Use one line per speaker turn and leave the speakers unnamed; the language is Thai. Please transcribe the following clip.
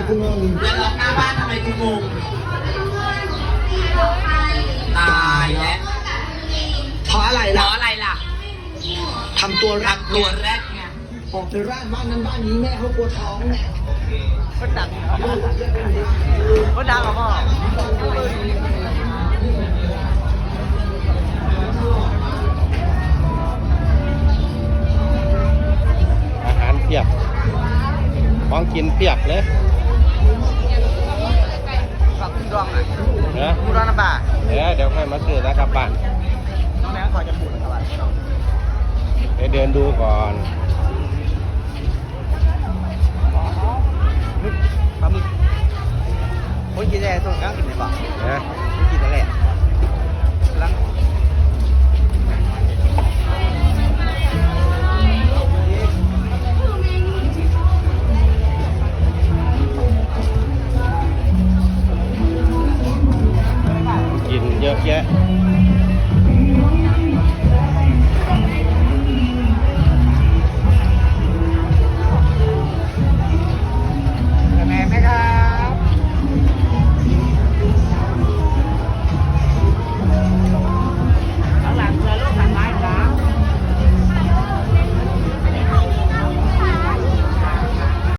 กูงง
แล้วล็อกหน้าบ้านทำไมกูงงตายแล้ว
เพราะอะไร
เพ
ล่ะ
ราะอะไรล่ะ
ทำตัวรัก
ตัวแรกไง
ออกไปร่านบ้านนั้นบ้านนี้แม่เขากลัวท้องเนี่ย
ก็ดังก็ดังเหรอพ่อ
อาหารเพียบของกินเพียบเลย
กับคุณดองอ่ะ
นะ
คุณดองน้ำปลา
เดี๋ยวค่อยมาซื้อแล้วกลับบ้าน
น้องแบงค์ขอจะพูดนะครับว่า
ไปเดินดูก่อน
ปลาหมึกคนกินอะไรส่งกลางกินไหนบ้าง
นะ
คนกินอะไรลัง
กินเยอะแยะ